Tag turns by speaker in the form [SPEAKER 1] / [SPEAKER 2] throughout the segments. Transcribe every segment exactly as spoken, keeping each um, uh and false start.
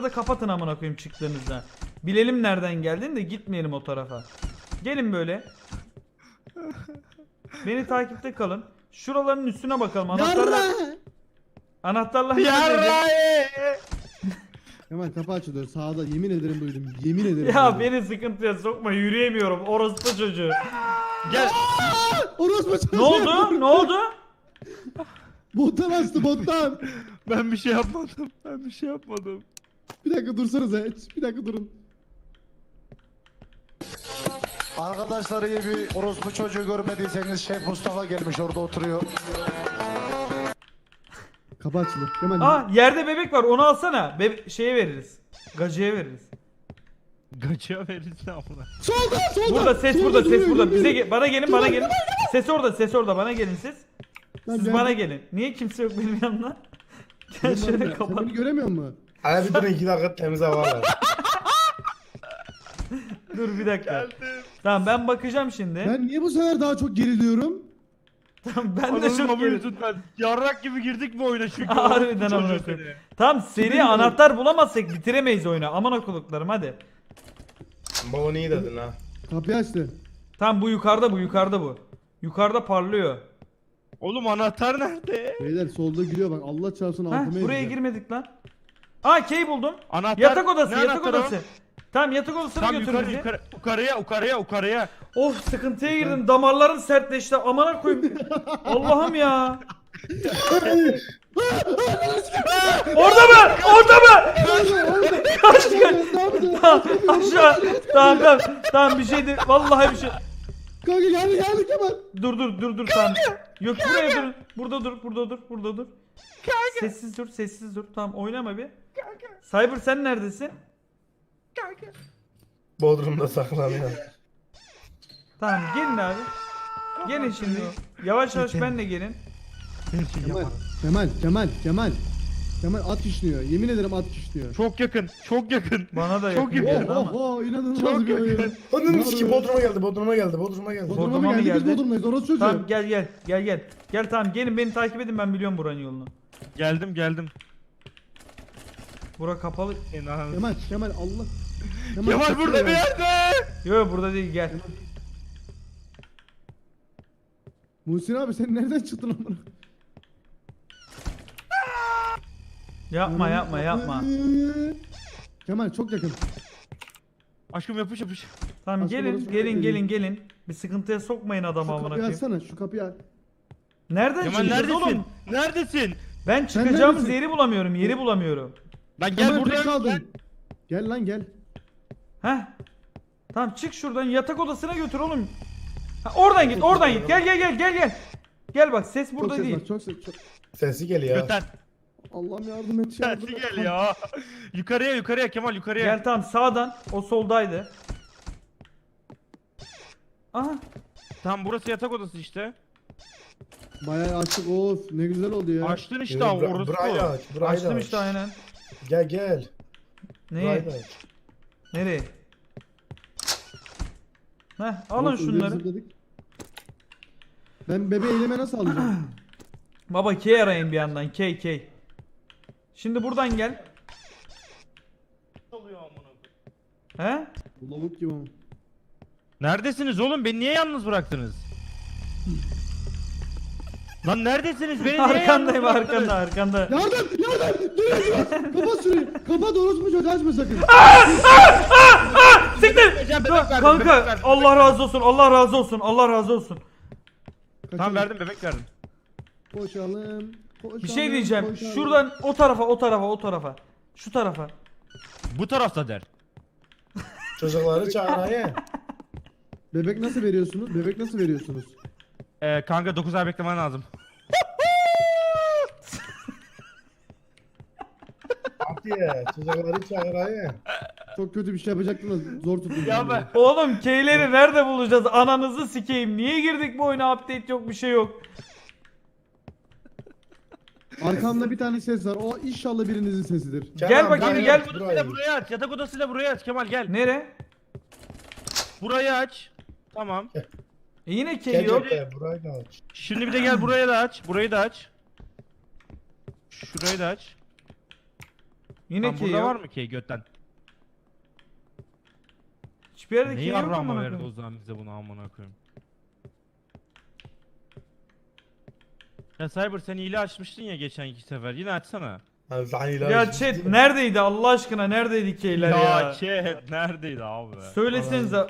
[SPEAKER 1] Kapıları da kapatın amına koyayım çıktığınızda. Bilelim nereden geldiğini de gitmeyelim o tarafa. Gelin böyle. Beni takipte kalın. Şuraların üstüne bakalım. Anahtarlar... Anahtarlar
[SPEAKER 2] Yarra.
[SPEAKER 3] Hemen kapı açılıyor sağda, yemin ederim duydum, yemin ederim
[SPEAKER 1] Ya
[SPEAKER 3] duydum.
[SPEAKER 1] beni sıkıntıya sokma, yürüyemiyorum. Orospu çocuğu.
[SPEAKER 2] Gel.
[SPEAKER 3] Orospu çocuğu.
[SPEAKER 1] Ne oldu? Ne oldu?
[SPEAKER 3] Bottan açtı bottan.
[SPEAKER 2] Ben bir şey yapmadım. Ben bir şey yapmadım.
[SPEAKER 3] Bir dakika dursanıza, bir dakika durun.
[SPEAKER 4] Arkadaşlar iyi bir orospu çocuğu görmediyseniz Şef Mustafa gelmiş orada oturuyor.
[SPEAKER 3] Kapı açıldı. Hemen.
[SPEAKER 1] Aa yerde bebek var, onu alsana. Bebe şeye veririz. Gacıya veririz.
[SPEAKER 2] Gaçıya verirsin amına.
[SPEAKER 3] Solda solda.
[SPEAKER 1] Burada ses,
[SPEAKER 3] Solda
[SPEAKER 1] burada ses,
[SPEAKER 3] duruyor,
[SPEAKER 1] burada. Bize
[SPEAKER 3] geliyor.
[SPEAKER 1] ge- bana gelin, bana gelin. Ses orada, ses orada. Bana gelin siz.
[SPEAKER 3] Lan
[SPEAKER 1] Siz
[SPEAKER 3] gel.
[SPEAKER 1] bana gelin. Niye kimse yok benim yanımda? Gel
[SPEAKER 3] Sen
[SPEAKER 1] şöyle
[SPEAKER 3] beni-
[SPEAKER 1] kapat.
[SPEAKER 3] Sen beni göremiyor musun?
[SPEAKER 5] Hadi bir durun iki dakika temiz hava ver.
[SPEAKER 1] Dur bir dakika.
[SPEAKER 2] Geldim.
[SPEAKER 1] Tamam ben bakacağım şimdi.
[SPEAKER 3] Ben niye bu sefer daha çok geriliyorum?
[SPEAKER 1] Tamam ben de
[SPEAKER 2] Ananın
[SPEAKER 1] çok
[SPEAKER 2] amı
[SPEAKER 1] gerildim.
[SPEAKER 2] yüzünden. Yarrak gibi girdik mi oyuna çünkü?
[SPEAKER 1] Harbiden
[SPEAKER 2] Orospu
[SPEAKER 1] amına
[SPEAKER 2] çocuğu
[SPEAKER 1] koyayım.
[SPEAKER 2] seni.
[SPEAKER 1] Tamam seri anahtar bulamazsak bitiremeyiz oyunu. Aman okuluklarım hadi.
[SPEAKER 5] Baba iyi dedin ha.
[SPEAKER 3] Kapıyı açtı.
[SPEAKER 1] Tamam bu yukarıda, bu yukarıda bu. Yukarıda parlıyor.
[SPEAKER 2] Oğlum anahtar nerede?
[SPEAKER 3] Beyler solda giriyor bak, Allah çarpsın
[SPEAKER 1] Heh,
[SPEAKER 3] altıma
[SPEAKER 1] buraya
[SPEAKER 3] edeceğim.
[SPEAKER 1] girmedik lan. Aa key buldum.
[SPEAKER 2] Anahtar.
[SPEAKER 1] Yatak odası,
[SPEAKER 2] Ne
[SPEAKER 1] yatak
[SPEAKER 2] anahtarı o?
[SPEAKER 1] odası. Tamam yatak odasına
[SPEAKER 2] Tam
[SPEAKER 1] götür
[SPEAKER 2] yukarı,
[SPEAKER 1] bizi.
[SPEAKER 2] yukarı, yukarıya, yukarıya, yukarıya.
[SPEAKER 1] Of sıkıntıya girdim. Damarlarım sertleşti. Amına koyayım. Allah'ım ya. Orada mı? Orada mı? Kaç kaç. Tamam, aşağı. Tamam tamam. Tamam bir şey değil. Vallahi bir şey.
[SPEAKER 3] Kanka geldi geldi Kemal.
[SPEAKER 1] Dur dur dur dur tamam. Yok buraya dur. Burada dur. Burada dur. Burada dur. Sessiz dur. Sessiz dur. Tamam oynama bir. Cyber sen neredesin?
[SPEAKER 5] Bodrum'da saklanıyor.
[SPEAKER 1] Tamam gelin abi. Gelin şimdi. Yavaş yavaş benle gelin.
[SPEAKER 3] Kemal. Kemal Kemal Kemal. Kemal at işliyor. Yemin ederim at işliyor.
[SPEAKER 2] Çok yakın, çok yakın.
[SPEAKER 1] Bana da
[SPEAKER 2] Çok
[SPEAKER 1] yakın
[SPEAKER 2] yakın.
[SPEAKER 1] geldi
[SPEAKER 3] Oh
[SPEAKER 1] ama.
[SPEAKER 3] oh oh inanılmaz
[SPEAKER 2] Çok
[SPEAKER 3] bir oyun.
[SPEAKER 2] yakın.
[SPEAKER 5] Onun ki Bodrum'a geldi, Bodrum'a geldi, Bodrum'a geldi.
[SPEAKER 3] Bodrum'a
[SPEAKER 1] Bodrum'a
[SPEAKER 3] mı
[SPEAKER 1] mı
[SPEAKER 3] geldi? Biz
[SPEAKER 1] geldi?
[SPEAKER 3] Bodrum'dayız. Orası çocuğu.
[SPEAKER 1] Tamam gel gel gel gel. Gel tamam gelin beni takip edin ben biliyorum buranın yolunu.
[SPEAKER 2] Geldim, geldim.
[SPEAKER 1] Bura kapalı.
[SPEAKER 2] İnan.
[SPEAKER 3] Kemal Kemal Allah.
[SPEAKER 2] Kemal
[SPEAKER 3] kaçıyor
[SPEAKER 2] burada
[SPEAKER 3] ya.
[SPEAKER 2] bir yerde.
[SPEAKER 1] Yok burada değil gel.
[SPEAKER 3] Muhsin abi sen nereden çıktın amına?
[SPEAKER 1] Yapma yapma yapma.
[SPEAKER 3] Kemal çok yakın.
[SPEAKER 2] Aşkım yapış yapış.
[SPEAKER 1] Tamam
[SPEAKER 3] Başka
[SPEAKER 1] gelin
[SPEAKER 3] burası
[SPEAKER 1] gelin
[SPEAKER 3] yok.
[SPEAKER 1] gelin gelin. Bir sıkıntıya sokmayın adamı
[SPEAKER 3] Şu
[SPEAKER 1] amına
[SPEAKER 3] kapıyı
[SPEAKER 1] koyayım.
[SPEAKER 3] açsana, şu kapıyı aç.
[SPEAKER 1] Nereden
[SPEAKER 2] Kemal
[SPEAKER 1] çıkacağız
[SPEAKER 2] neredesin?
[SPEAKER 1] oğlum?
[SPEAKER 2] Neredesin?
[SPEAKER 1] Ben çıkacağımız
[SPEAKER 3] neredesin?
[SPEAKER 1] yeri bulamıyorum. Yeri bulamıyorum.
[SPEAKER 2] Lan gel
[SPEAKER 3] Kemal tek
[SPEAKER 2] buraya.
[SPEAKER 3] kaldın.
[SPEAKER 2] Gel.
[SPEAKER 3] Gel lan gel.
[SPEAKER 1] Heh. Tamam çık şuradan yatak odasına götür oğlum. Ha, oradan git oradan git. Gel gel gel gel gel. Gel bak ses
[SPEAKER 3] Çok
[SPEAKER 1] burada
[SPEAKER 3] ses
[SPEAKER 1] değil.
[SPEAKER 3] var, çok ses. Çok...
[SPEAKER 5] Sesi geliyor.
[SPEAKER 2] Göten.
[SPEAKER 3] Allah'ım yardım et. yardım
[SPEAKER 2] Tersi
[SPEAKER 3] et.
[SPEAKER 2] gel ya. Yukarıya, yukarıya Kemal yukarıya.
[SPEAKER 1] Gel tamam sağdan. O soldaydı. Aha.
[SPEAKER 2] Tamam burası yatak odası işte.
[SPEAKER 3] Bayağı açtık, of ne güzel oldu ya.
[SPEAKER 2] Açtın işte
[SPEAKER 5] Yürü,
[SPEAKER 2] ama
[SPEAKER 5] bura-
[SPEAKER 2] orası
[SPEAKER 5] Burayı da
[SPEAKER 2] o.
[SPEAKER 5] aç, burayı da
[SPEAKER 1] Açtım
[SPEAKER 5] aç.
[SPEAKER 1] işte aynen.
[SPEAKER 5] Gel gel. Burayı da
[SPEAKER 1] Neyi?
[SPEAKER 5] aç.
[SPEAKER 1] Nereye? Heh alın
[SPEAKER 3] Of, üzeri
[SPEAKER 1] şunları.
[SPEAKER 3] zıpladık. Ben bebeği elime nasıl alacağım?
[SPEAKER 1] Baba K arayın bir yandan. K K. Şimdi buradan gel. He?
[SPEAKER 3] Bu lavuk gibi ama.
[SPEAKER 2] Neredesiniz oğlum? Beni niye yalnız bıraktınız? Lan neredesiniz? Beni niye
[SPEAKER 1] Arkandayım
[SPEAKER 2] yalnız bıraktınız?
[SPEAKER 1] arkanda arkanda.
[SPEAKER 3] Yardım! Yardım! Dur dur! Kapat şurayı! Kapat orospu çocuğu açma sakın!
[SPEAKER 1] Siktir!
[SPEAKER 2] Vereceğim,
[SPEAKER 1] Dur,
[SPEAKER 2] bebek verdim, bebek
[SPEAKER 1] Kanka
[SPEAKER 2] verdim.
[SPEAKER 1] Allah razı olsun Allah razı olsun Allah razı olsun.
[SPEAKER 2] Tamam verdim bebek verdim.
[SPEAKER 3] Koşalım. Koşalım.
[SPEAKER 1] Bir şey diyeceğim.
[SPEAKER 3] koşalım.
[SPEAKER 1] Şuradan o tarafa o tarafa o tarafa. Şu tarafa.
[SPEAKER 2] Bu tarafta der.
[SPEAKER 5] Çocukları çağırayım.
[SPEAKER 3] Bebek nasıl veriyorsunuz? Bebek nasıl veriyorsunuz?
[SPEAKER 2] Ee, kanka dokuz ay beklemen lazım.
[SPEAKER 5] Hadi çocukları çağırayım.
[SPEAKER 3] Çok kötü bir şey yapacaktım da zor tuttum.
[SPEAKER 2] Ya
[SPEAKER 3] kendimi.
[SPEAKER 2] ben-
[SPEAKER 1] Oğlum K'leri nerede bulacağız? Ananızı sikeyim. Niye girdik bu oyuna? Update yok bir şey yok.
[SPEAKER 3] Arkamda bir tane ses var. O inşallah birinizin sesidir.
[SPEAKER 1] Gel
[SPEAKER 5] Kenan,
[SPEAKER 1] bakayım,
[SPEAKER 5] burayı
[SPEAKER 1] gel.
[SPEAKER 5] aç,
[SPEAKER 2] Yatak
[SPEAKER 5] burayı.
[SPEAKER 2] odasıyla buraya aç. Yatak odasıyla buraya aç Kemal gel.
[SPEAKER 1] Nere?
[SPEAKER 2] Burayı aç. Tamam.
[SPEAKER 1] E yine K
[SPEAKER 5] Gel
[SPEAKER 1] yok.
[SPEAKER 5] gel, burayı da aç.
[SPEAKER 2] Şimdi bir de gel buraya da aç. Burayı da aç. Şurayı da aç.
[SPEAKER 1] Yine
[SPEAKER 2] Lan
[SPEAKER 1] key
[SPEAKER 2] burada
[SPEAKER 1] yok.
[SPEAKER 2] var mı key götten?
[SPEAKER 1] Hiçbir yerde key
[SPEAKER 2] Neyi
[SPEAKER 1] yok
[SPEAKER 2] arama
[SPEAKER 1] amına
[SPEAKER 2] verdi o
[SPEAKER 1] koyayım.
[SPEAKER 2] zaman bize bunu amına koyayım. Ya Cyber sen hile açmıştın ya geçen iki sefer. Yine açsana.
[SPEAKER 5] Ha, sen ilaç-
[SPEAKER 1] Ya chat neredeydi Allah aşkına neredeydi keyler ya?
[SPEAKER 2] Ya chat neredeydi abi?
[SPEAKER 1] Söylesenize.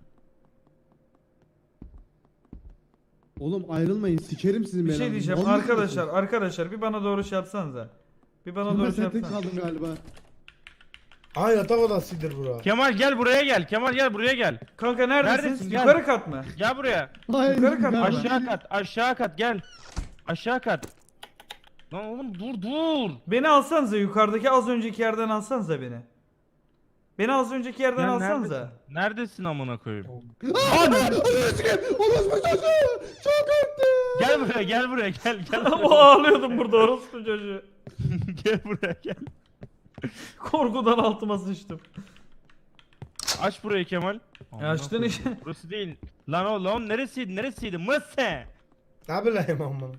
[SPEAKER 3] Oğlum ayrılmayın sikerim sizin
[SPEAKER 1] Bir şey
[SPEAKER 3] belanızı.
[SPEAKER 1] diyeceğim
[SPEAKER 3] Vallahi
[SPEAKER 1] arkadaşlar
[SPEAKER 3] sikerim.
[SPEAKER 1] arkadaşlar bir bana doğru şey yapsanıza. Bir bana
[SPEAKER 3] Kemal
[SPEAKER 1] doğru şey
[SPEAKER 3] sen tek
[SPEAKER 1] yapsanıza.
[SPEAKER 3] kaldın galiba.
[SPEAKER 5] Ha yatak odasıdır bura.
[SPEAKER 2] Kemal gel buraya gel. Kemal gel buraya gel.
[SPEAKER 1] Kanka neredesiniz?
[SPEAKER 2] Neredesin? Gel.
[SPEAKER 1] Yukarı kat mı?
[SPEAKER 2] Gel buraya.
[SPEAKER 3] Hayır,
[SPEAKER 1] Yukarı kat,
[SPEAKER 3] ben-
[SPEAKER 2] Aşağı kat. Aşağı kat gel. Aşağı kat. Lan oğlum dur dur.
[SPEAKER 1] Beni alsanıza yukarıdaki az önceki yerden alsanıza beni. Beni az önceki yerden
[SPEAKER 2] Lan
[SPEAKER 1] alsanıza.
[SPEAKER 2] neredesin? Neredesin amına koyayım?
[SPEAKER 3] Aa, Ananı sikeyim. Orospu çocuğu. Çok korktum.
[SPEAKER 2] Gel buraya gel buraya gel gel.
[SPEAKER 1] o
[SPEAKER 2] buraya.
[SPEAKER 1] ağlıyordum burada orospu çocuğu.
[SPEAKER 2] Gel buraya gel.
[SPEAKER 1] Korkudan altıma sıçtım.
[SPEAKER 2] Aç burayı Kemal. Amına
[SPEAKER 1] açtın
[SPEAKER 2] koyayım.
[SPEAKER 1] işte.
[SPEAKER 2] Burası değil. Lan o lan neresiydi neresiydi? Mısı?
[SPEAKER 5] Ne bileyim amına.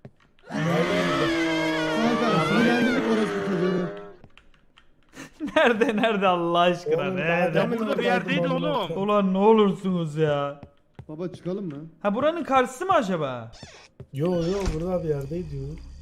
[SPEAKER 3] Kanka sinirlendirdik orospu çocuğunu.
[SPEAKER 1] Nerede nerede Allah aşkına
[SPEAKER 5] Oğlum,
[SPEAKER 1] nerede?
[SPEAKER 5] daha demin
[SPEAKER 2] Burada bir yerdeydi
[SPEAKER 5] oradaydım,
[SPEAKER 2] oğlum.
[SPEAKER 5] ondan sonra.
[SPEAKER 1] Ulan ne olursunuz ya.
[SPEAKER 3] Baba çıkalım mı?
[SPEAKER 1] Ha buranın karşısı mı acaba?
[SPEAKER 5] Yo yo burada bir yerdeydi yo.